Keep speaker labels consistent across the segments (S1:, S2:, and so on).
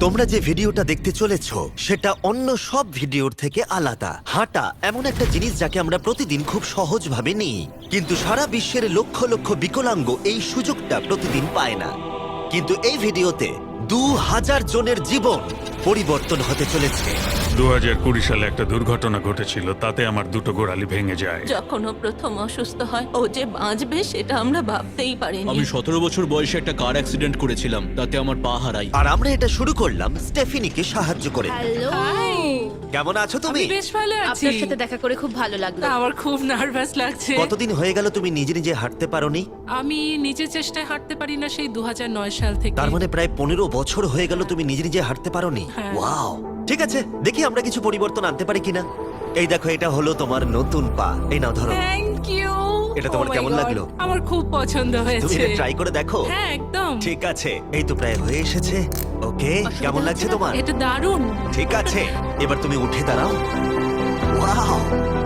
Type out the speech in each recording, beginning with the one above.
S1: তোমরা যে ভিডিওটা দেখতে চলেছো সেটা অন্য সব ভিডিওর থেকে আলাদা। হাঁটা এমন একটা জিনিস যাকে আমরা প্রতিদিন খুব সহজভাবে নিই, কিন্তু সারা বিশ্বের লক্ষ লক্ষ বিকলাঙ্গ এই সুযোগটা প্রতিদিন পায় না। কিন্তু এই ভিডিওতে 2000 জনের জীবন পরিবর্তন হতে চলেছে।
S2: 2020 সালে একটা দুর্ঘটনা ঘটেছিল, তাতে আমার দুটো গোড়ালি ভেঙে যায়।
S3: যখন ও প্রথম অসুস্থ হয়, ও যে বাঁচবে সেটা আমরা ভাবতেই পারিনি।
S4: আমি 17 বছর বয়সে একটা কার অ্যাক্সিডেন্ট করেছিলাম, তাতে আমার পা হারাই।
S1: আর আমরা এটা শুরু করলাম স্টেফিনিকে সাহায্য করে।
S5: হ্যালো,
S1: কেমন আছো তুমি?
S6: আমি বেশ ভালো আছি।
S5: আপনার সাথে দেখা করে খুব ভালো লাগলো।
S6: আমার খুব নার্ভাস লাগছে।
S1: কতদিন হয়ে গেল তুমি নিজে নিজে হাঁটতে পারোনি?
S6: আমি নিজের চেষ্টায় হাঁটতে পারি না সেই 2009 সাল থেকে।
S1: তার মানে প্রায় 15 বছর হয়ে গেল তুমি নিজে নিজে হাঁটতে পারোনি।
S6: হ্যাঁ।
S1: ওয়াও, ঠিক আছে, দেখি আমরা কিছু পরিবর্তন আনতে পারি কিনা। এই দেখো, এটা হলো তোমার নতুন পা। এই নাও, ধরো।
S6: Thank you.
S1: এটা তোমার কেমন লাগলো?
S6: আমার খুব পছন্দ
S1: তুমি
S6: হয়েছে।
S1: এটা ট্রাই করে দেখো।
S6: হ্যাঁ, একদম।
S1: ঠিক আছে, এই তো প্রায় হয়ে এসেছে। ওকে, কেমন লাগছে তোমার?
S6: এটা দারুণ।
S1: ঠিক আছে, এবার তুমি উঠে দাঁড়াও। ওয়াও,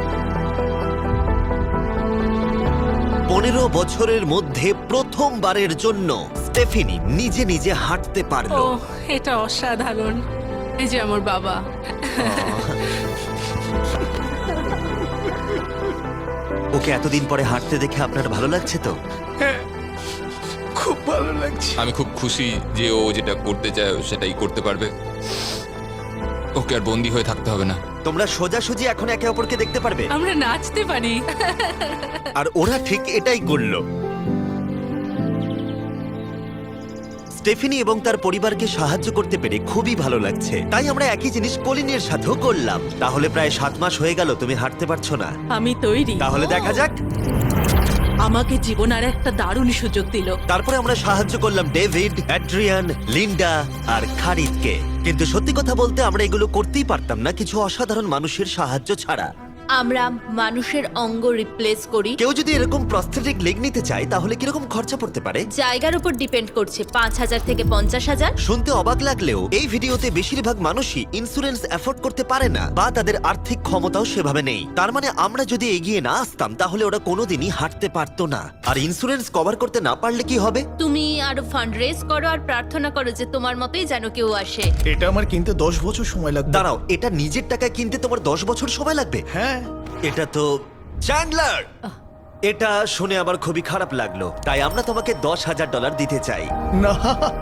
S1: 15 বছরের মধ্যে প্রথমবারের জন্য স্টেফিনি নিজে নিজে হাঁটতে
S6: ও,
S1: পারলো।
S6: এটা অসাধারণ। এই যে আমার বাবা।
S1: ওকে এতদিন পরে হাঁটতে দেখে আপনার ভালো লাগছে তো?
S7: খুব ভালো লাগছে। আমি খুব খুশি যে ও যেটা করতে চায় ও সেটাই করতে পারবে। ওকে আর বন্দি হয়ে থাকতে হবে না।
S1: তোমরা সোজাসুজি এখন একে অপরকে দেখতে পারবে।
S6: আমরা নাচতে পারি।
S1: আর ওরা ঠিক এটাই করল। স্টেফিনি এবং তার পরিবারকে সাহায্য করতে পেরে খুবই ভালো লাগছে। তাই আমরা একই জিনিস কলিনের সাথেও করলাম। তাহলে প্রায় 7 মাস হয়ে গেল তুমি হাঁটতে পারছো না।
S3: আমি তৈরি।
S1: তাহলে দেখা যাক।
S3: আমাকে জীবন আর একটা দারুণ সুযোগ দিল।
S1: তারপরে আমরা সাহায্য করলাম ডেভিড, অ্যাড্রিয়ান, লিন্ডা আর খারিদকে। কিন্তু সত্যি কথা বলতে আমরা এগুলো করতেই পারতাম না কিছু অসাধারণ মানুষের সাহায্য ছাড়া।
S5: আমরা মানুষের অঙ্গ রিপ্লেস করি।
S1: কেউ যদি এরকম প্রস্থেটিক লেগ নিতে চায় তাহলে কিরকম খরচা পড়তে পারে?
S5: জায়গার উপর ডিপেন্ড করছে, 5,000 থেকে 50,000।
S1: শুনতে অবাক লাগলেও এই ভিডিওতে বেশিরভাগ মানুষই ইন্স্যুরেন্স অ্যাফোর্ড করতে পারে না বা তাদের আর্থিক ক্ষমতাও সেভাবে নেই। তার মানে আমরা যদি এগিয়ে না আসতাম তাহলে ওরা কোনোদিনই হাঁটতে পারতো না। আর ইন্স্যুরেন্স কভার করতে না পারলে কি হবে?
S5: তুমি আরো ফান্ড রেজ করো আর প্রার্থনা করো যে তোমার মতোই যেন কেউ আসে।
S8: এটা আমার কিনতে 10 বছর সময় লাগবে।
S1: দাঁড়াও, এটা নিজের টাকায় কিনতে তোমার 10 বছর সময় লাগবে?
S8: হ্যাঁ,
S1: এটা তো চ্যান্ডলার! এটা শুনে আমার খুবই খারাপ লাগলো, তাই আমরা তোমাকে $10,000 দিতে চাই।
S8: না,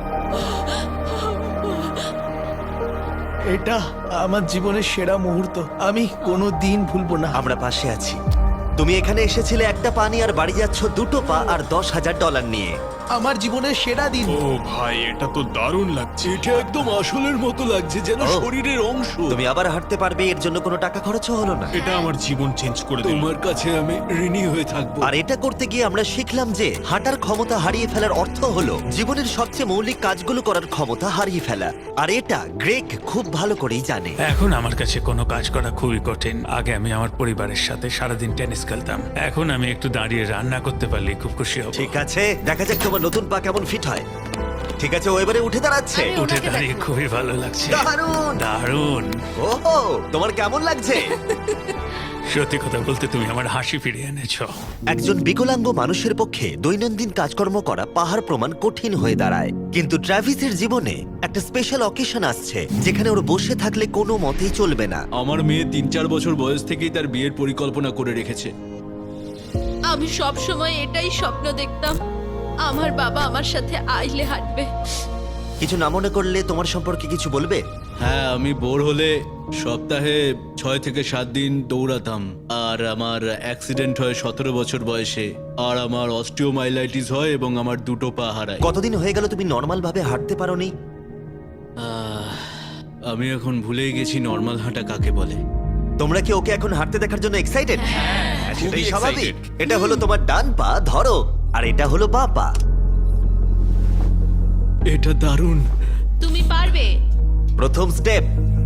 S8: এটা আমার জীবনের সেরা মুহূর্ত। আমি কোনো দিন ভুলবো না।
S1: আমরা পাশে আছি। তুমি এখানে এসেছিলে একটা পা নিয়ে আর বাড়ি যাচ্ছ দুটো পা আর $10,000 নিয়ে।
S8: আমার জীবনের সেরা দিন।
S2: ও ভাই, এটা তো দারুণ লাগছে।
S4: এটা একদম আসলের মতো লাগছে, যেন
S1: ও।
S4: শরীরের অংশ।
S1: তুমি আবার হাঁটতে পারবে, এর জন্য কোনো টাকা খরচও হলো না।
S2: এটা আমার জীবন চেঞ্জ করে দিল।
S4: তোমার কাছে আমি ঋণী হয়ে থাকবো।
S1: আর এটা করতে গিয়ে আমরা শিখলাম যে হাঁটার ক্ষমতা হারিয়ে ফেলার অর্থ হলো জীবনের সবচেয়ে মৌলিক কাজগুলো করার ক্ষমতা হারিয়ে ফেলা। আর এটা গ্রেগ খুব ভালো করেই জানে।
S2: এখন আমার কাছে কোনো কাজ করা খুবই কঠিন। আগে আমি আমার পরিবারের সাথে সারাদিন টেনিস খেলতাম, এখন আমি একটু দাঁড়িয়ে রান্না করতে পারলে খুব খুশি হব।
S1: ঠিক আছে, দেখা যাক তোমার নতুন পা কেমন ফিট হয়। ঠিক আছে, ও এবারে উঠে দাঁড়াচ্ছে।
S5: আমি
S2: উঠে
S5: ওনাকে
S2: দাঁড়িয়ে খুবই ভালো লাগছে।
S1: দারুণ!
S2: দারুণ।
S1: ওহো, তোমার কেমন লাগছে?
S2: সত্যি কথা বলতে তুমি আমার হাসি ফিরিয়ে এনেছো।
S1: একজন বিকলাঙ্গ মানুষের পক্ষে দৈনন্দিন কাজকর্ম করা পাহাড় প্রমাণ কঠিন হয়ে দাঁড়ায়। কিন্তু ট্রাভিসের জীবনে একটা স্পেশাল অকেশন আসছে যেখানে ওর বসে থাকলে কোনো মতেই চলবে না।
S4: আমার মেয়ে 3-4 বছর বয়স থেকেই তার বিয়ের পরিকল্পনা করে রেখেছে।
S5: আমি সব সময় এটাই স্বপ্ন দেখতাম, আমার বাবা আমার সাথে আইলে হাঁটবে।
S1: কিছু না মনে করলে তোমার সম্পর্কে কিছু বলবে?
S4: হ্যাঁ, আমি বোর হলে সপ্তাহে 6 থেকে 7 দিন দৌড়াতাম। আর আমার অ্যাক্সিডেন্ট হয় 17 বছর বয়সে। আর আমার অস্টিওমাইলাইটিস হয় এবং আমার দুটো পা হারায়।
S1: কতদিন হয়ে গেল তুমি নর্মাল ভাবে হাঁটতে পারোনি?
S4: আমি এখন ভুলেই গেছি নর্মাল হাঁটা কাকে বলে।
S1: তোমরা কি ওকে এখন হাঁটতে দেখার জন্য এক্সাইটেড? সেটাই
S7: খুবই
S1: স্বাভাবিক।
S7: excited।
S1: এটা হলো তোমার ডান পা, ধরো, আর এটা হলো বাঁ পা।
S4: এটা দারুণ।
S5: তুমি পারবে।
S1: প্রথম স্টেপ।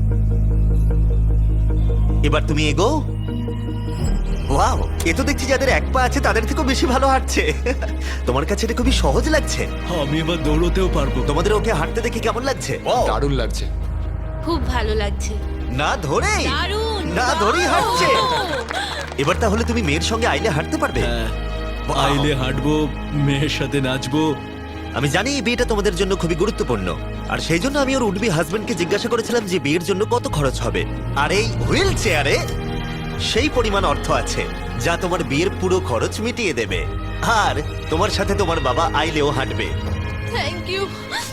S1: এবার তুমি এগো। ওয়াও, এ তো দেখছি যাদের এক পা আছে তাদের থেকেও বেশি ভালো হাঁটছে। তোমার কাছে এটা খুবই সহজ লাগছে।
S4: আমি এবার দৌড়তেও পারবো।
S1: তোমাদের ওকে হাঁটতে দেখে কেমন লাগছে?
S7: দারুণ লাগছে।
S5: খুব ভালো লাগছে।
S1: না ধরেই
S5: দারুণ!
S1: না ধরেই হাঁটছে। এবার তাহলে তুমি মেয়ের সঙ্গে আইলে হাঁটতে পারবে?
S4: হ্যাঁ,
S1: Wow!
S4: আইলে হাঁটবো, মেয়ের সাথে নাচবো,
S1: আমি জানি এই বিয়েটা তোমাদের জন্য খুবই গুরুত্বপূর্ণ, আর সেই জন্য আমি ওর উডবি হাজবেন্ডকে জিজ্ঞাসা করেছিলাম যে বিয়ের জন্য কত খরচ হবে। আর এই হুইল চেয়ারে সেই পরিমাণ অর্থ আছে যা তোমার বিয়ের পুরো খরচ মিটিয়ে দেবে। আর তোমার সাথে তোমার বাবা আইলেও হাঁটবে।
S5: Thank you.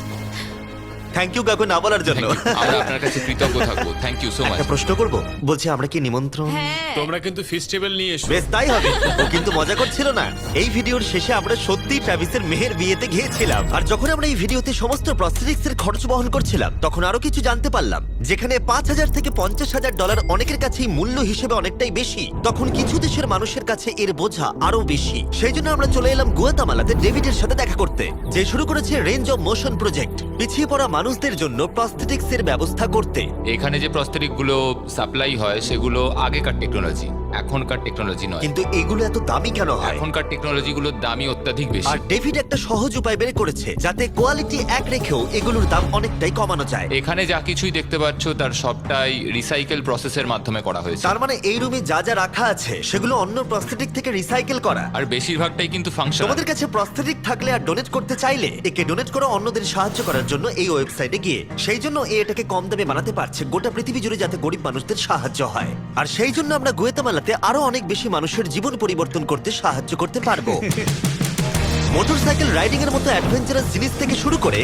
S1: থ্যাংক ইউ কাকু না বলার জন্য।
S7: আমরা আপনার কাছে কৃতজ্ঞ থাকবো, থ্যাংক ইউ সো মাচ।
S1: একটা প্রশ্ন করব, বলছি আমরা কি নিমন্ত্রণ?
S5: হ্যাঁ,
S9: তোমরা কিন্তু ফেস্টিভ্যাল নিয়ে এসো।
S1: বেশ তাই হবে। ও কিন্তু মজা করছিল না। এই ভিডিওর শেষে আমরা সত্যি ট্রাভিসের মেহের বিয়েতে গিয়েছিলাম, আর যখন আমরা এই ভিডিওতে সমস্ত প্রস্থেটিক্স এর খরচ বহন করছিলাম তখন আরো কিছু জানতে পারলাম। যেখানে $5,000 থেকে $50,000 অনেকের কাছেই মূল্য হিসেবে অনেকটাই বেশি, তখন কিছু দেশের মানুষের কাছে এর বোঝা আরো বেশি। সেই জন্য আমরা চলে এলাম গুয়াতামালাতে ডেভিডের সাথে দেখা করতে, যে শুরু করেছে রেঞ্জ অফ মোশন প্রজেক্ট, পিছিয়ে পড়া মানুষদের জন্য প্রস্থেটিক্স এর ব্যবস্থা করতে।
S7: এখানে যে প্রস্তরিক গুলো সাপ্লাই হয় সেগুলো আগেকার টেকনোলজি, এখনকার টেকনোলজি নয়।
S1: কিন্তু এগুলো এত দামি কেন হয়?
S7: এখনকার টেকনোলজি গুলোর দামই অত্যাধিক বেশি।
S1: আর ডেভিড একটা সহজ উপায় বের করেছে যাতে কোয়ালিটি এক রেখেও এগুলোর দাম অনেকটাই কমানো যায়।
S7: এখানে যা কিছুই দেখতে পাচ্ছ তার সবটাই রিসাইকেল প্রসেসের মাধ্যমে করা হয়েছে।
S1: তার মানে এই রুমে যা যা রাখা আছে সেগুলো অন্য প্রস্থেটিক থেকে রিসাইকেল করা।
S7: আর বেশিরভাগটাই কিন্তু ফাংশন।
S1: তোমাদের কাছে প্রস্থেটিক থাকলে আর ডোনেট করতে চাইলে একে ডোনেট করো অন্যদের সাহায্য করার জন্য এই ওয়েবসাইটে গিয়ে। সেই জন্য এটাকে কম দামে বানাতে পারছে গোটা পৃথিবী জুড়ে যাতে গরিব মানুষদের সাহায্য হয়। আর সেই জন্য আমরা গুয়াতামালাতে আরো অনেক বেশি মানুষের জীবন পরিবর্তন করতে সাহায্য করতে পারবো। মোটরসাইকেল রাইডিং এর মতো অ্যাডভেঞ্চারাস জিনিস থেকে শুরু করে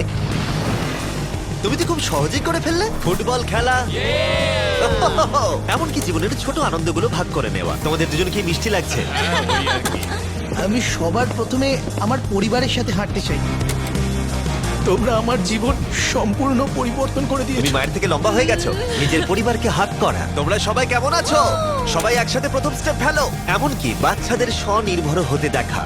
S1: তুমি তো খুব সহজেই করে ফেললে ফুটবল খেলা, এমনকি জীবনের ছোট আনন্দগুলো ভাগ করে নেওয়া। তোমাদের দুজনকে মিষ্টি লাগছে?
S8: আমি সবার প্রথমে আমার পরিবারের সাথে হাঁটতে চাই। তোমরা আমার জীবন সম্পূর্ণ পরিবর্তন করে
S1: তুমি
S8: দিয়েছো।
S1: মায়ের থেকে লম্বা হয়ে গেছো। নিজের পরিবারকে হাত করা। তোমরা সবাই কেমন আছো? সবাই একসাথে প্রথম স্টেপ ফেলো। এমনকি বাচ্চাদের স্বনির্ভর হতে দেখা।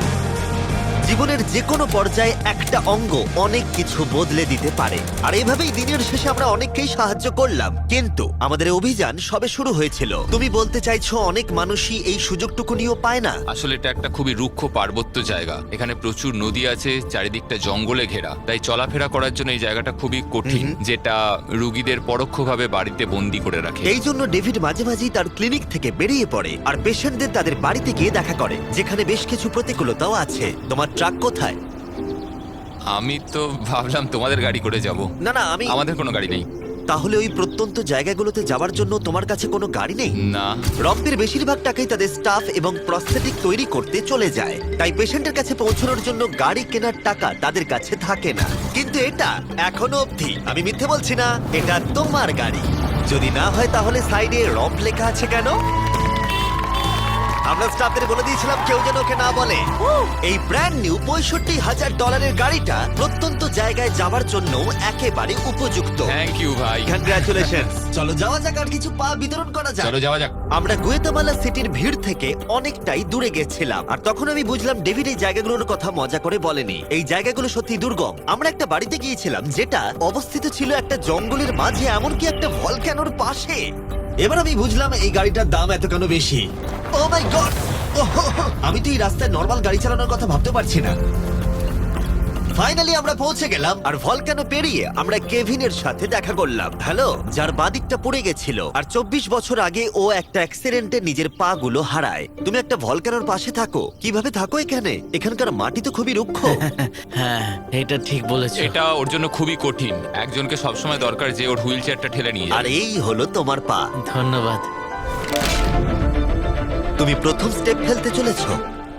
S1: জীবনের যে কোনো পর্যায়ে একটা অঙ্গ অনেক কিছু বদলে দিতে পারে। আর এইভাবেই দিনের শেষে আমরা অনেককেই সাহায্য করলাম, কিন্তু আমাদের অভিযান সবে শুরু হয়েছিল। তুমি বলতে চাইছো অনেক মানুষই এই সুযোগটুকু নিয়েও পায় না?
S7: আসলে এটা একটা খুবই রুক্ষ পার্বত্য জায়গা। এখানে প্রচুর নদী আছে, চারিদিকটা জঙ্গলে ঘেরা, তাই চলাফেরা করার জন্য এই জায়গাটা খুবই কঠিন, যেটা রুগীদের পরোক্ষভাবে বাড়িতে বন্দি করে রাখে।
S1: এই জন্য ডেভিড মাঝে মাঝেই তার ক্লিনিক থেকে বেরিয়ে পড়ে আর পেশেন্টদের তাদের বাড়িতে গিয়ে দেখা করে, যেখানে বেশ কিছু প্রতিকূলতাও আছে। তোমার ট্রাক কোথায়?
S7: আমি তো ভাবলাম তোমাদের গাড়ি করে যাব।
S1: না না,
S7: আমাদের কোনো গাড়ি নেই।
S1: তাহলে ওই প্রত্যন্ত জায়গাগুলোতে যাওয়ার জন্য তোমার কাছে কোনো গাড়ি নেই?
S7: না।
S1: রম্পের বেশিরভাগ টাকাই তাদের স্টাফ এবং প্রস্থেটিক তৈরি করতে চলে যায়, তাই পেশেন্টের কাছে পৌঁছানোর জন্য গাড়ি কেনার টাকা তাদের কাছে থাকে না। কিন্তু এটা এখনো অবধি, আমি মিথ্যে বলছি না, এটা তোমার গাড়ি। যদি না হয় তাহলে সাইডে রম্প লেখা আছে কেন? আমরা স্টাফদের বলে দিয়েছিলাম কেউ যেন ওকে না বলে। এই ব্র্যান্ড নিউ $65,000 গাড়িটা প্রত্যন্ত জায়গায় যাওয়ার জন্য একেবারে উপযুক্ত।
S7: থ্যাংক ইউ ভাই।
S1: কংগ্রাচুলেশন। চলো যাওয়া যাক আর কিছু পা বিতরণ করা যাক।
S7: চলো যাওয়া যাক।
S1: আমরা গুয়েতামালা সিটির ভিড় থেকে অনেকটাই দূরে গেছিলাম, আর তখন আমি বুঝলাম ডেভিড এই জায়গাগুলোর কথা মজা করে বলেনি। এই জায়গাগুলো সত্যি দুর্গম। আমরা একটা বাড়িতে গিয়েছিলাম যেটা অবস্থিত ছিল একটা জঙ্গলের মাঝে, এমনকি একটা ভলক্যানোর পাশে। এবার আমি বুঝলাম এই গাড়িটার দাম এত কেন বেশি। Oh my god! আমি তো এই রাস্তায় নরমাল গাড়ি চালানোর কথা ভাবতে পারছি না। ফাইনালি আমরা পৌঁছে গেলাম, আর ভলকানো পেরিয়ে আমরা কেভিনের সাথে দেখা করলাম। হ্যালো, যার বাদিকটা পড়ে গেছিল, আর 24 বছর আগে ও একটা অ্যাক্সিডেন্টে নিজের পা গুলো হারায়। তুমি একটা ভলকানোর পাশে থাকো, কিভাবে থাকো এখানে? এখানকার মাটি তো খুবই রুক্ষ।
S10: হ্যাঁ, এটা ঠিক বলেছো।
S7: এটা ওর জন্য খুবই কঠিন। একজনকে সবসময় দরকার যে ওর হুইল চেয়ারটা ঠেলে নিয়ে
S1: আর
S7: যায়।
S1: এই হলো তোমার পা।
S10: ধন্যবাদ।
S1: তুমি প্রথম স্টেপ ফেলতে চলেছো।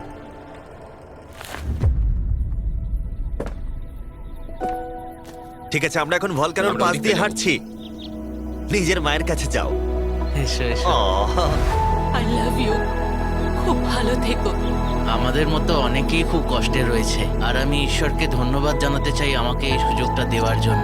S1: ঠিক আছে, আমরা এখন ভলকানোর
S7: আমরা
S1: পাশ
S7: ওদিকে
S1: দিয়ে
S7: যাবো।
S1: হাঁটছি। নিজের মায়ের কাছে যাও।
S10: এসো এসো।
S1: Ah,
S3: I love you. খুব ভালো থেকো।
S10: আমাদের মতো অনেকেই খুব কষ্টে রয়েছে, আর আমি ঈশ্বরকে ধন্যবাদ জানাতে চাই আমাকে এই সুযোগটা দেওয়ার জন্য।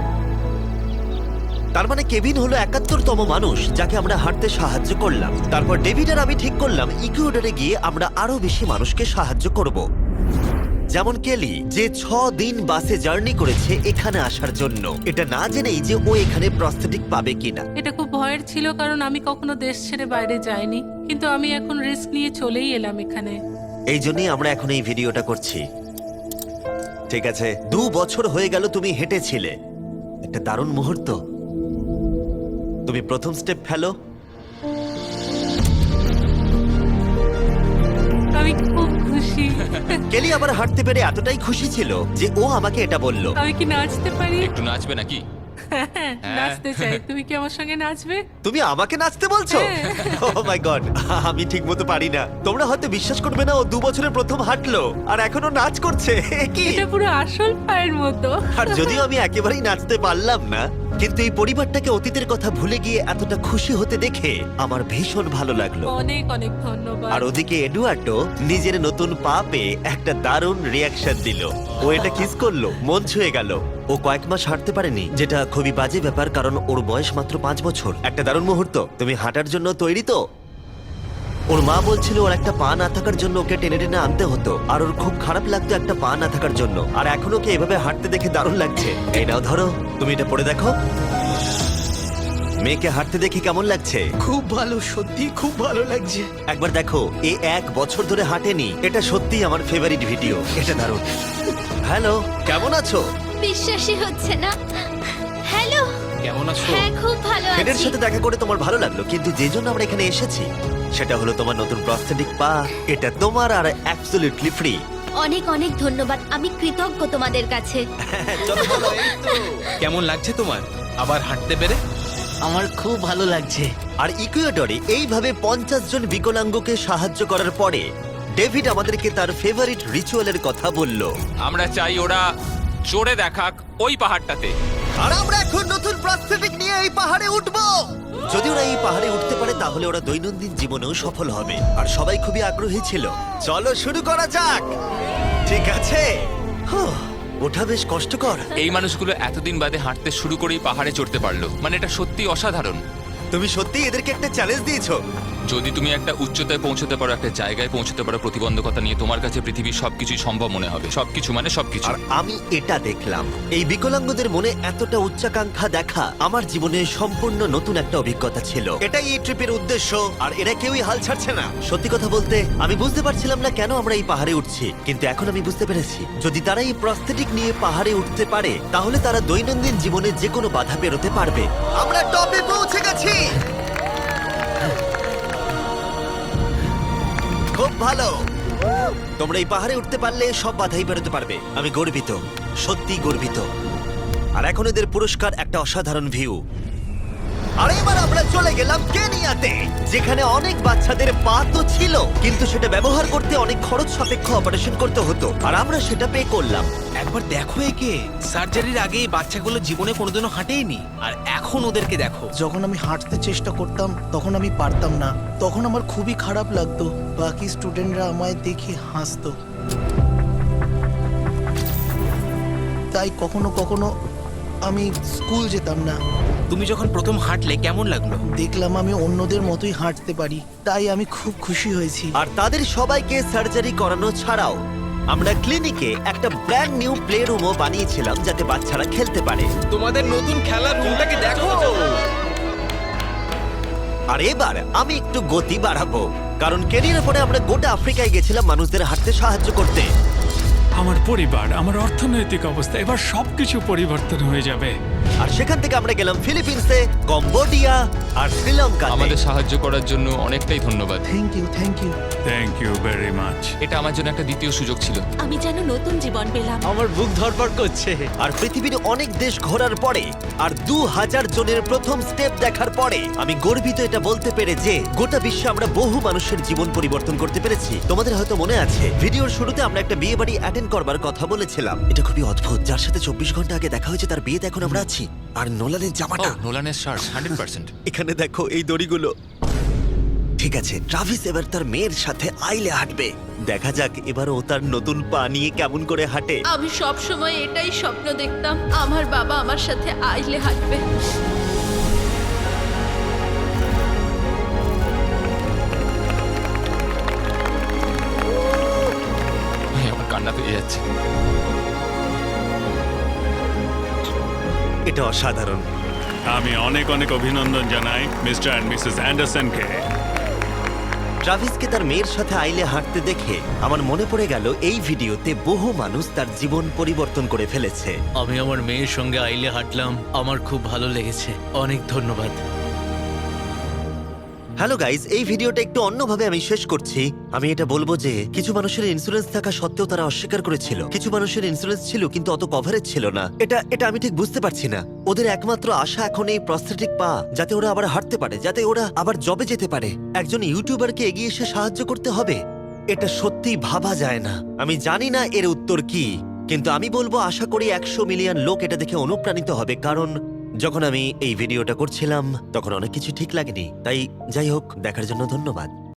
S1: তার মানে কেভিন হলো 71তম মানুষ যাকে আমরা হাঁটতে সাহায্য করলাম। তারপর ডেভিড আর আমি ঠিক করলাম ইকুয়েডরে গিয়ে আমরা আরো বেশি মানুষকে সাহায্য করব, যেমন কেলি, যে 6 দিন বাসে জার্নি করেছে এখানে আসার জন্য, এটা না জেনেই যে ও এখানে প্রস্থেটিক পাবে কিনা।
S6: এটা খুব ভয়ের ছিল, কারণ আমি কখনো দেশ ছেড়ে বাইরে যাইনি, কিন্তু আমি এখন রিস্ক নিয়ে চলেই এলাম এখানে।
S1: এই জন্যই আমরা এখন এই ভিডিওটা করছি। ঠিক আছে, 2 বছর হয়ে গেল তুমি হেঁটেছিলে, একটা দারুণ মুহূর্ত। তুমি প্রথম স্টেপ ফেলো।
S6: আমি খুব খুশি।
S1: কেলি আবার হাঁটতে পেরে এতটাই খুশি ছিল যে ও আমাকে এটা বলল।
S6: আমি কি নাচতে পারি?
S7: একটু নাচবে নাকি?
S6: নাচতে চাই, তুমি কি আমার সঙ্গে নাচবে?
S1: তুমি আমাকে নাচতে বলছো? ও মাই গড, আমি ঠিকমতো পারি না। তোমরা হয়তো বিশ্বাস করবে না, ও 2 বছরে প্রথম হাঁটলো আর এখনো নাচ করছে। এ কি?
S6: এটা পুরো আসল পায়ের মতো।
S1: আর যদিও আমি একেবারেই নাচতে পারলাম না, কিন্তু এই পরিবারটাকে অতীতের কথা ভুলে গিয়ে এতটা খুশি হতে দেখে আমার ভীষণ ভালো লাগলো।
S6: অনেক অনেক ধন্যবাদ।
S1: আর ওদিকে এডুয়ার্ডো নিজের নতুন পা পেয়ে একটা দারুণ রিয়াকশন দিল। ও এটা কিস করলো, মন ছুঁয়ে গেল। ও কয়েক মাস হাঁটতে পারেনি, যেটা খুবই বাজে ব্যাপার, কারণ ওর বয়স মাত্র 5 বছর। একটা দারুণ মুহূর্ত। তুমি হাঁটার জন্য তৈরি তো? ওর মা বলছিল ওর একটা পা না থাকার জন্য ওকে টেনে টেনে আনতে হতো, আর ওর খুব খারাপ লাগতো একটা পা না থাকার জন্য। আর এখন ওকে এভাবে হাঁটতে দেখে দারুণ লাগছে। এই নাও ধরো, তুমি এটা পরে দেখো। মেয়েকে হাঁটতে দেখে কেমন লাগছে?
S8: খুব ভালো, সত্যি খুব ভালো লাগছে।
S1: একবার দেখো, এ 1 বছর ধরে হাঁটেনি। এটা সত্যিই আমার ফেভারিট ভিডিও। এটা দারুণ। হ্যালো, কেমন আছো?
S5: বিশ্বাসই হচ্ছে না। হ্যালো,
S10: কেমন আছো?
S5: হ্যাঁ খুব ভালো
S1: ফেডের
S5: আছি।
S1: সাথে দেখা করে তোমার ভালো লাগলো, কিন্তু যে জন্য আমরা এখানে এসেছি সেটা হলো তোমার নতুন প্রস্থেটিক পা। এটা তোমার আর অ্যাবসলিউটলি ফ্রি।
S5: অনেক অনেক ধন্যবাদ, আমি কৃতজ্ঞ তোমাদের কাছে।
S1: চলো বলো, এই তো।
S9: কেমন লাগছে তোমার আবার হাঁটতে পেরে?
S10: আমার খুব ভালো লাগছে।
S1: আর ইকুয়েডরে এইভাবে 50 জন বিকলাঙ্গকে সাহায্য করার পরে ডেভিড আমাদেরকে তার ফেভারিট রিচুয়ালের কথা বলল।
S7: আমরা চাই ওরা চড়ে দেখাক ওই পাহাড়টাতে।
S1: আর আমরা এখন নতুন প্রস্থেটিক নিয়ে এই পাহাড়ে উঠবো। যদি ওরা এই পাহাড়ে উঠতে পারে তাহলে ওরা দৈনন্দিন জীবনেও সফল হবে। আর সবাই খুবই আগ্রহী ছিল। চলো শুরু করা যাক। ঠিক আছে। হুঁ, ওঠা বেশ কষ্টকর।
S7: এই মানুষগুলো এতদিন বাদে হাঁটতে শুরু করেই পাহাড়ে চড়তে পারলো, মানে এটা সত্যি অসাধারণ।
S1: তুমি সত্যিই এদেরকে একটা চ্যালেঞ্জ দিয়েছো।
S7: যদি তুমি একটা উচ্চতায় পৌঁছতে পারো, একটা জায়গায় পৌঁছতে পারো, প্রতিবন্ধকতা নিয়ে তোমার কাছে পৃথিবীর সবকিছুই সম্ভব মনে হবে। সবকিছু মানে সবকিছু।
S1: আর আমি এটা দেখলাম, এই বিকলাঙ্গদের মনে এতটা উচ্চাকাঙ্ক্ষা দেখা আমার জীবনে সম্পূর্ণ নতুন একটা অভিজ্ঞতা ছিল। এটাই এই ট্রিপের উদ্দেশ্য, আর এরা কেউই হাল ছাড়ছে না। সত্যি কথা বলতে আমি বুঝতে পারছিলাম না কেন আমরা এই পাহাড়ে উঠছি, কিন্তু এখন আমি বুঝতে পেরেছি। যদি তারা এই প্রস্থেটিক নিয়ে পাহাড়ে উঠতে পারে তাহলে তারা দৈনন্দিন জীবনে যে কোনো বাধা পেরোতে পারবে। আমরা টপে পৌঁছে গেছি। খুব ভালো। তোমরা এই পাহাড়ে উঠতে পারলে সব বাধাই বেরোতে পারবে। আমি গর্বিত, সত্যি গর্বিত। আর এখন এদের পুরস্কার একটা অসাধারণ ভিউ। আর এবার আমরা চলে গেলাম কেনিয়াতে, যেখানে অনেক বাচ্চাদের পা তো ছিল, কিন্তু সেটা ব্যবহার করতে অনেক খরচ সাপেক্ষ অপারেশন করতে হতো, আর আমরা সেটা পে করলাম।
S9: একবার দেখো একে, সার্জারির আগে এই বাচ্চাগুলো জীবনে কোনোদিনও হাঁটেইনি, আর এখন ওদেরকে দেখো।
S8: যখন আমি হাঁটতে চেষ্টা করতাম তখন আমি পারতাম না, তখন আমার খুবই খারাপ লাগতো। বাকি স্টুডেন্টরা আমায় দেখে হাসতো, তাই কখনো কখনো আমি স্কুল যেতাম না।
S9: তুমি যখন প্রথম হাঁটলে কেমন লাগলো?
S8: দেখলাম আমি অন্যদের মতোই হাঁটতে পারি, তাই আমি খুব খুশি হয়েছি।
S1: আর তাদের সবাইকে সার্জারি করানো ছাড়াও আমরা ক্লিনিকে একটা ব্র্যান্ড নিউ প্লে রুমও বানিয়েছিলাম, যাতে বাচ্চারা খেলতে পারে।
S9: তোমাদের নতুন খেলার রুমটাকে দেখো।
S1: আর এবার আমি একটু গতি বাড়াবো, কারণ কেনিয়ার পরে আমরা গোটা আফ্রিকায় গেছিলাম মানুষদের হাঁটতে সাহায্য করতে।
S2: আমার পরিবার, আমার অর্থনৈতিক অবস্থা, এবার সবকিছু পরিবর্তন হয়ে যাবে।
S1: আর সেখান থেকে আমরা গেলাম ফিলিপিন্সে, কম্বোডিয়া আর শ্রীলঙ্কা।
S7: আমাদের সাহায্য করার জন্য অনেকটাই ধন্যবাদ।
S8: Thank you, thank you.
S2: Thank you very much.
S7: এটা আমার জন্য একটা দ্বিতীয় সুযোগ ছিল।
S3: আমি যেন নতুন জীবন পেলাম।
S4: আমার বুক ধড়ফড় করছে।
S1: আর পৃথিবীর অনেক দেশ ঘোরার পরে আর 2000 জনের প্রথম স্টেপ দেখার পরে আমি গর্বিত এটা বলতে পেরে যে গোটা বিশ্বে আমরা বহু মানুষের জীবন পরিবর্তন করতে পেরেছি। তোমাদের হয়তো মনে আছে ভিডিওর শুরুতে আমরা একটা বিয়ে বাড়ি অ্যাটেন্ড করবার কথা বলেছিলাম। এটা খুবই অদ্ভুত, যার সাথে 24 ঘন্টা আগে দেখা হয়েছে তার বিয়েতে এখন আমরা আছি। আর নোলানের জামাটা,
S7: নোলানের শার্ট 100%।
S1: এখানে দেখো এই দড়িগুলো। ঠিক আছে, ট্রাভিস এবার তার মেয়ের সাথে আইলে হাঁটবে। দেখা যাক এবার ও তার নতুন পা নিয়ে কেমন করে হাঁটে।
S5: আমি সব সময় এটাই স্বপ্ন দেখতাম, আমার বাবা আমার সাথে আইলে হাঁটবে।
S7: আমার কান্না পেয়ে যাচ্ছে।
S1: এটা অসাধারণ।
S2: আমি অনেক অনেক অভিনন্দন জানাই মিস্টার অ্যান্ড মিসেস অ্যান্ডারসনকে।
S1: ট্রাভিসকে তার মেয়ের সাথে আইলে হাঁটতে দেখে আমার মনে পড়ে গেল এই ভিডিওতে বহু মানুষ তার জীবন পরিবর্তন করে ফেলেছে।
S10: আমি আমার মেয়ের সঙ্গে আইলে হাঁটলাম, আমার খুব ভালো লেগেছে। অনেক ধন্যবাদ।
S1: হ্যালো গাইজ, এই ভিডিওটা একটু অন্যভাবে আমি শেষ করছি। আমি এটা বলবো যে কিছু মানুষের ইন্স্যুরেন্স থাকা সত্ত্বেও তারা অস্বীকার করেছিল, কিছু মানুষের ইন্স্যুরেন্স ছিল কিন্তু অত কভারেজ ছিল না। এটা আমি ঠিক বুঝতে পারছি না। ওদের একমাত্র আশা এখন এই প্রস্থেটিক পা, যাতে ওরা আবার হাঁটতে পারে, যাতে ওরা আবার জবে যেতে পারে। একজন ইউটিউবারকে এগিয়ে এসে সাহায্য করতে হবে, এটা সত্যিই ভাবা যায় না। আমি জানি না এর উত্তর কি, কিন্তু আমি বলবো আশা করি 100 মিলিয়ন লোক এটা দেখে অনুপ্রাণিত হবে। কারণ যখন আমি এই ভিডিওটা করছিলাম তখন অনেক কিছু ঠিক লাগেনি। তাই যাই হোক, দেখার জন্য ধন্যবাদ।